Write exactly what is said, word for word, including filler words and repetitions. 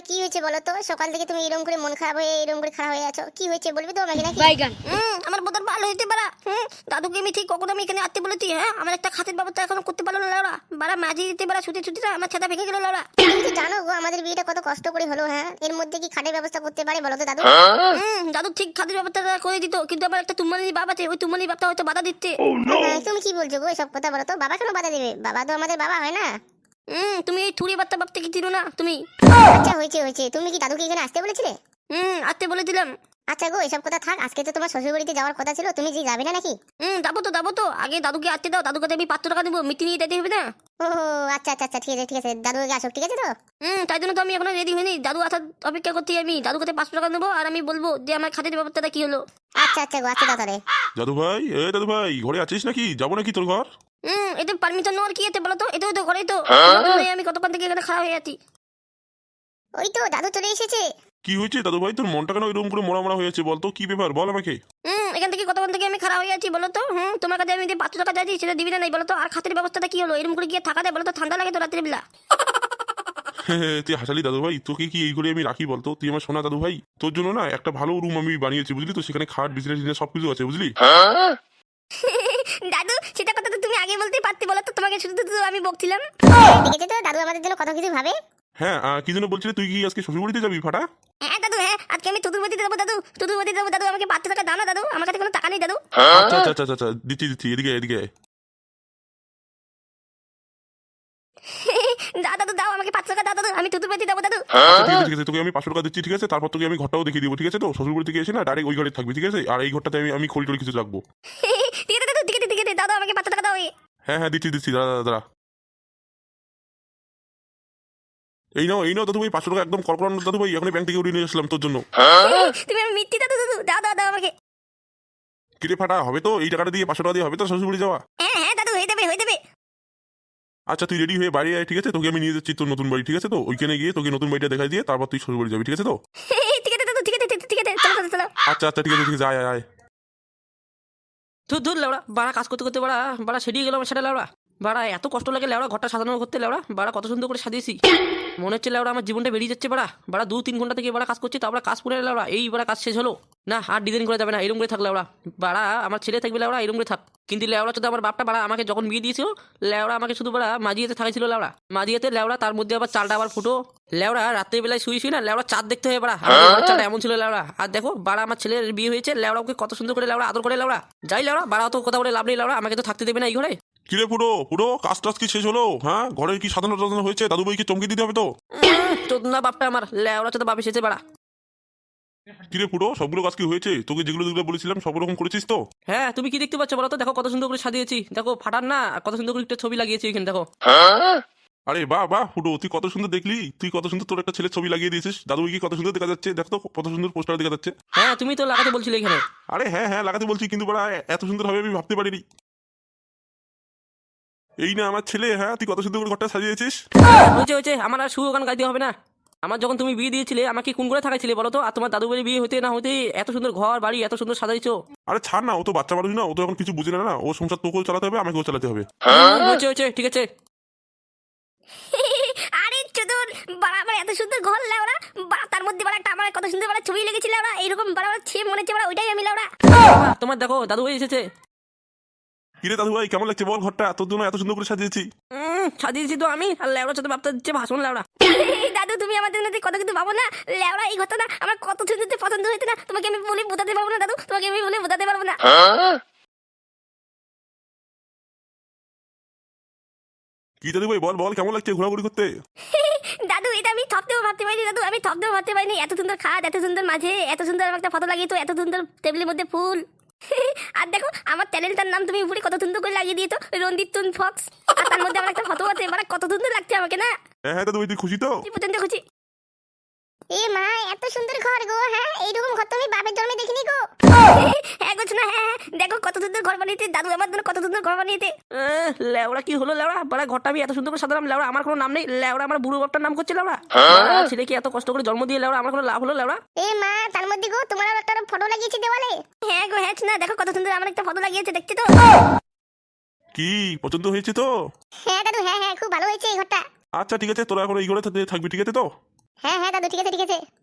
কি হয়েছে বলো তো? সকাল থেকে তুমি এরকম করে মন খারাপ হয়ে এরকম করে খারাপ হয়ে আছো, কি হয়েছে বলবি তো আমাকে নাকি? বাইগান হুম আমার বোধহয় ভালো হইতে পারা। হুম দাদুকে আমি ঠিক কখন আমি এখানে আসতে বলেছি, হ্যাঁ আমার একটা খাতের ব্যবস্থা এখনো করতে পারলো না লাউরা। বারা মাঝি দিতে পারা ছুটি ছুটিটা আমার ছাতা ভেঙে গেল লাউরা। তুমি তো জানো গো আমাদের বিয়েটা কত কষ্ট করে হলো, হ্যাঁ এর মধ্যে কি খাটের ব্যবস্থা করতে পারে বলো তো দাদু? হুম দাদু ঠিক খাতের ব্যবস্থা করে দিত, কিন্তু আমার একটা তুমালি বাপ আছে, ওই তুমালি বাপটা হয়তো বাধা দিচ্ছে। হ্যাঁ, তুমি কি বলছো গো এসব কথা? বলো তো বাবা কেন বাধা দেবে? বাবা তো আমাদের বাবা হয় না? হুম তুমি এই থুড়ি বার্তা বাপতে কি চিনো না তুমি? আচ্ছা হয়েছে হয়েছে, তুমি কি দাদুকে এখানে আসতে বলেছিলে? হুম আসতে বলে দিলাম। আচ্ছা গো এসব কথা থাক, আজকে তো তোমার শ্বশুর বাড়িতে যাওয়ার কথা ছিল, তুমি যে যাবে না নাকি? হুম যাবো তো যাবো তো, আগে দাদুকে আসতে দাও, দাদুর কাছে আমি পাঁচশো টাকা দেবো, মিটি নিয়ে যেতে হবে না? ও আচ্ছা আচ্ছা আচ্ছা, ঠিক আছে ঠিক আছে, দাদু আগে আসুক, ঠিক আছে তো? হুম তাই জন্য তো আমি এখনো রেডি হইনি, দাদু আসার অপেক্ষা করছি। আমি দাদুর কাছে পাঁচশো টাকা নেবো আর আমি বলবো যে আমার খাতের ব্যাপারটা কি হলো। আচ্ছা আচ্ছা গো, আচ্ছা দাদা তাহলে। দাদু ভাই, এ দাদু ভাই, ঘরে আছিস নাকি? যাবো নাকি তোর ঘর? হুম এতে পারমিশন নেওয়ার কি আছে বলো তো? এটাও তো ঘরেই তো। আমি কতক্ষণ থেকে এখানে খারাপ হয়ে আছি। ওই তো দাদু চলে এসেছে। কি হয়েছে দাদু ভাই? তোর মনটা কেন এরকম করে মরা মরা হয়েছে বলতো? কি ব্যাপার বল আমাকে। হুম এখান থেকে কতক্ষণ থেকে আমি খারাপ হয়ে আছি বলো তো? হুম তোমার কাছে আমি যে পাঁচশো টাকা চাইছি সেটা দিবি না নাই বলো তো? আর খাতের ব্যবস্থাটা কি হলো? এরকম করে গিয়ে থাকা যায় বলো তো? ঠান্ডা লাগে তো রাত্রে বেলা। তুই হাসালি দাদু ভাই, তোকে কি এই ঘরে আমি রাখি বলতো? তুই আমার সোনা দাদু ভাই, তোর জন্য না একটা ভালো রুম আমি বানিয়েছি বুঝলি তো? সেখানে খাট বিছানা সবকিছু আছে বুঝলি। দাদু সেটা কথা তো তুমি আগে বলতে পারতে বলো তো? তোমাকে শুধু তো আমি বকছিলাম। দেখেছো তো দাদু আমাদের জন্য কত কিছু ভাবে। হ্যাঁ আহ, কি জন্য বলছিলি? তুই কি আজকে শ্বশুর বাড়িতে যাবি ফাটা? হ্যাঁ দাদু, হ্যাঁ আজকে আমি চতুর্বতী যাবো দাদু, চতুর্বতী যাবো দাদু। আমাকে পাঁচশো টাকা দাও না দাদু, আমার কাছে কোনো টাকা নেই দাদু। আচ্ছা আচ্ছা আচ্ছা আচ্ছা, দিচ্ছি দিচ্ছি, এদিকে আয়, এদিকে আয়। দাও দাদু দাও, আমাকে পাঁচশো টাকা দাও দাদু, আমি চতুর্বতী যাবো দাদু। আচ্ছা, ঠিক আছে ঠিক আছে, তোকে আমি পাঁচশো টাকা দিচ্ছি ঠিক আছে? তারপর তোকে আমি ঘরটাও দেখিয়ে দিব ঠিক আছে? তো শ্বশুর বাড়ি থেকে এসে না ডাইরেক্ট ওই ঘরে থাকবি ঠিক আছে? আর এই ঘরটাতে আমি আমি খড়ি টড়ি কিছু রাখবো। ঠিক আছে দাদু, ঠিক আছে ঠিক আছে, দাও দাও আমাকে পাঁচশো টাকা দাও। এই হ্যাঁ হ্যাঁ দিচ্ছি দিচ্ছি, দাদা দাদা। এই নাও এই নাও দাদু ভাই, পাঁচশো টাকা একদম করকরানো দাদু ভাই, এখন ব্যাংক থেকে উঠিয়ে নিয়ে আসলাম তোর জন্য। তুমি আমি মিথ্যি দাদু দাদু, দাও দাও দাও আমাকে। কিরে ফাটা, হবে তো? এই টাকাটা দিয়ে পাঁচশো টাকা দিয়ে হবে তো শ্বশুর বাড়ি যাওয়া? হ্যাঁ হ্যাঁ দাদু হয়ে যাবে হয়ে যাবে। আচ্ছা তুই রেডি হয়ে বাড়ি আয় ঠিক আছে? তোকে আমি নিয়ে যাচ্ছি তোর নতুন বাড়ি ঠিক আছে? তো ওইখানে গিয়ে তোকে নতুন বাড়িটা দেখাই দিয়ে তারপর তুই শ্বশুর বাড়ি যাবি ঠিক আছে তো? ঠিক আছে দাদু, ঠিক আছে ঠিক আছে, চলো চলো চলো। আচ্ছা আচ্ছা ঠিক আছে ঠিক আছে, আয় আয় আয়। ধুর ধুর লেওড়া, বাড়া কাজ করতে করতে বাড়া বাড়া সেরিয়ে গেল আমার সেটা লেওড়া। বাড়া এত কষ্ট লাগে লেওড়া ঘরটা সাজানো করতে লেওড়া। বাড়া কত সুন্দর করে সাজিয়েছি, মনে হচ্ছে লেওড়া আমার জীবনটা বেরিয়ে যাচ্ছে। বাড়া বাড়া দু তিন ঘন্টা থেকে বাড়া কাজ করছি, তারপরে কাজ পুরে লেওড়া এই বাড়া কাজ শেষ হলো না। আর ডিজাইন করা যাবে না, এরকম করে থাক লেওড়া। বাড়া আমার ছেলে থাকবে লেওড়া, এরকম করে থাক। কিন্তু লেওড়া যদি আমার বাপটা বাড়া আমাকে যখন বিয়ে দিয়েছিল লেওড়া আমাকে শুধু বাড়া মাঝিয়েতে থাকাইছিল লেওড়া, মাঝিয়েতে লেওড়া। তার মধ্যে আবার চালটা আবার ফুটো লেওড়া। রাত্রে বেলায় শুয়ে শুয়ে না লেওড়া চাঁদ দেখতে হয় বাড়া, আমাদের ঘরের চালটা এমন ছিল লেওড়া। আর দেখো বাড়া আমার ছেলের বিয়ে হয়েছে লেওড়া, ওকে কত সুন্দর করে লেওড়া আদর করে লেওড়া। যাই লেওড়া, বাড়া তো কথা বলে লাভ নেই লেওড়া, আমাকে তো থাকতে দেবে না এই ঘরে। কিরে পুরো পুরো কাজ টাজ কি শেষ হলো? হ্যাঁ ঘরে কি সাধারণ টাধানো হয়েছে? দাদু ভাইকে চমকে দিতে হবে তো। চোদনা বাপটা আমার লেওড়া চোদা বাপ এসেছে বাড়া। কিরে পুরো সবগুলো কাজ কি হয়েছে? তোকে যেগুলো যেগুলো বলেছিলাম সব রকম করেছিস তো? হ্যাঁ তুমি কি দেখতে পাচ্ছ বলো তো? দেখো কত সুন্দর করে সাজিয়েছি, দেখো ফাটার না কত সুন্দর করে একটা ছবি লাগিয়েছি এখানে দেখো। আরে বাহ বাহ ফুটো, তুই কত সুন্দর দেখলি, তুই কত সুন্দর তোর একটা ছেলের ছবি লাগিয়ে দিয়েছিস। দাদু ভাইকে কত সুন্দর দেখা যাচ্ছে, দেখ তো কত সুন্দর পোস্টার দেখা যাচ্ছে। হ্যাঁ তুমি তো লাগাতে বলছিলে এখানে। আরে হ্যাঁ হ্যাঁ লাগাতে বলছি, কিন্তু বড়া এত সুন্দর হবে আমি ভাবতে পারিনি। এই না আমার ছেলে, হ্যাঁ তুই কত সুন্দর করে ঘরটা সাজিয়েছিস। হয়েছে হয়েছে, আমার আর সুর গান গাইতে হবে না। আমার যখন তুমি বিয়ে দিয়েছিলে আমাকে কোন করে থাকাইছিলে বলো তো? আর তোমার দাদু বাড়ি বিয়ে হতে না হতে এত সুন্দর ঘর বাড়ি এত সুন্দর সাজাইছো। আরে ছাড় না, ও তো বাচ্চা মানুষ না, ও তো এখন কিছু বুঝে না না, ও সংসার তোকেও চালাতে হবে আমাকেও চালাতে হবে। হয়েছে হয়েছে ঠিক আছে। আরে চতুর বাড়া, আমার এত সুন্দর ঘর লেওড়া, বাড়া তার মধ্যে বাড়া একটা আমার কত সুন্দর বাড়া ছবি লেগেছিল লেওড়া, এইরকম বাড়া বাড়া ছে মনে হচ্ছে বাড়া ওইটাই আমি লেওড়া। বাবা, তোমার দেখো দাদু ভাই এসেছে। কিরে দাদু ভাই কেমন লাগছে বল ঘরটা? তোর জন্য এত সুন্দর করে সাজিয়েছি। হুম সাজিয়েছি তো আমি, আর লেওড়া সাথে বাপটা দিচ্ছে ভাষণ লেওড়া। দাদু তুমি আমাদের মধ্যে কত কিছু ভাবো না লেওড়া, এই ঘরটা না আমার কত সুন্দর পছন্দ হয়েছে না, তোমাকে আমি বলে বোঝাতে পারবো না দাদু, তোমাকে আমি বলে বোঝাতে পারবো না। কি দাদু ভাই বল বল কেমন লাগছে ঘোরাঘুরি করতে? দাদু এটা আমি থপতেও ভাবতে পারিনি দাদু, আমি থপতেও ভাবতে পারিনি এত সুন্দর খাট, এত সুন্দর মাঝে এত সুন্দর একটা ফটো লাগিয়ে তো, এত সুন্দর টেবিলের মধ্যে ফুল। আর দেখো আমার চ্যানেলটার নাম তুমি উপরে কত সুন্দর করে লাগিয়ে দিয়েছো, রঞ্জিত তুন ফক্স। আর তার মধ্যে আমার একটা ফটো আছে, মানে কত সুন্দর লাগছে আমাকে না। হ্যাঁ হ্যাঁ দাদু ভাই তুই খুশি তো? তুই পর্যন্ত খুশি? এ মা এত সুন্দর ঘর গো, হ্যাঁ এইরকম ঘর তো আমি বাপের জন্মে দেখিনি গো। হ্যাঁ গো না, হ্যাঁ দেখো কত সুন্দর ঘর বানিয়েছে দাদু, আমার জন্য কত সুন্দর ঘর বানিয়েছে। আহ, লেওড়া কি হলো লেওড়া? বাড়া ঘরটা আমি এত সুন্দর করে সাজালাম লেওড়া, আমার কোনো নাম নেই লেওড়া, আমার বুড়ো বাপটার নাম করছে লেওড়া। বাড়া, ছেলেকে এত কষ্ট করে জন্ম দিয়ে লেওড়া আমার কোনো লাভ হলো লেওড়া? এ মা তার মধ্যে গো তোমার আবার একটা ফটো লাগিয়েছি দেওয়ালে। হ্যাঁ গো হ্যাঁ না, দেখো কত সুন্দর আমার একটা ফটো লাগিয়েছে, দেখছি তো। কি পছন্দ হয়েছে তো? হ্যাঁ দাদু, হ্যাঁ হ্যাঁ খুব ভালো হয়েছে এই ঘরটা। আচ্ছা ঠিক আছে, তোরা এখন এই ঘরে থাকবি ঠিক আছে তো? হ্যাঁ হ্যাঁ দাদু ঠিক আছে ঠিক আছে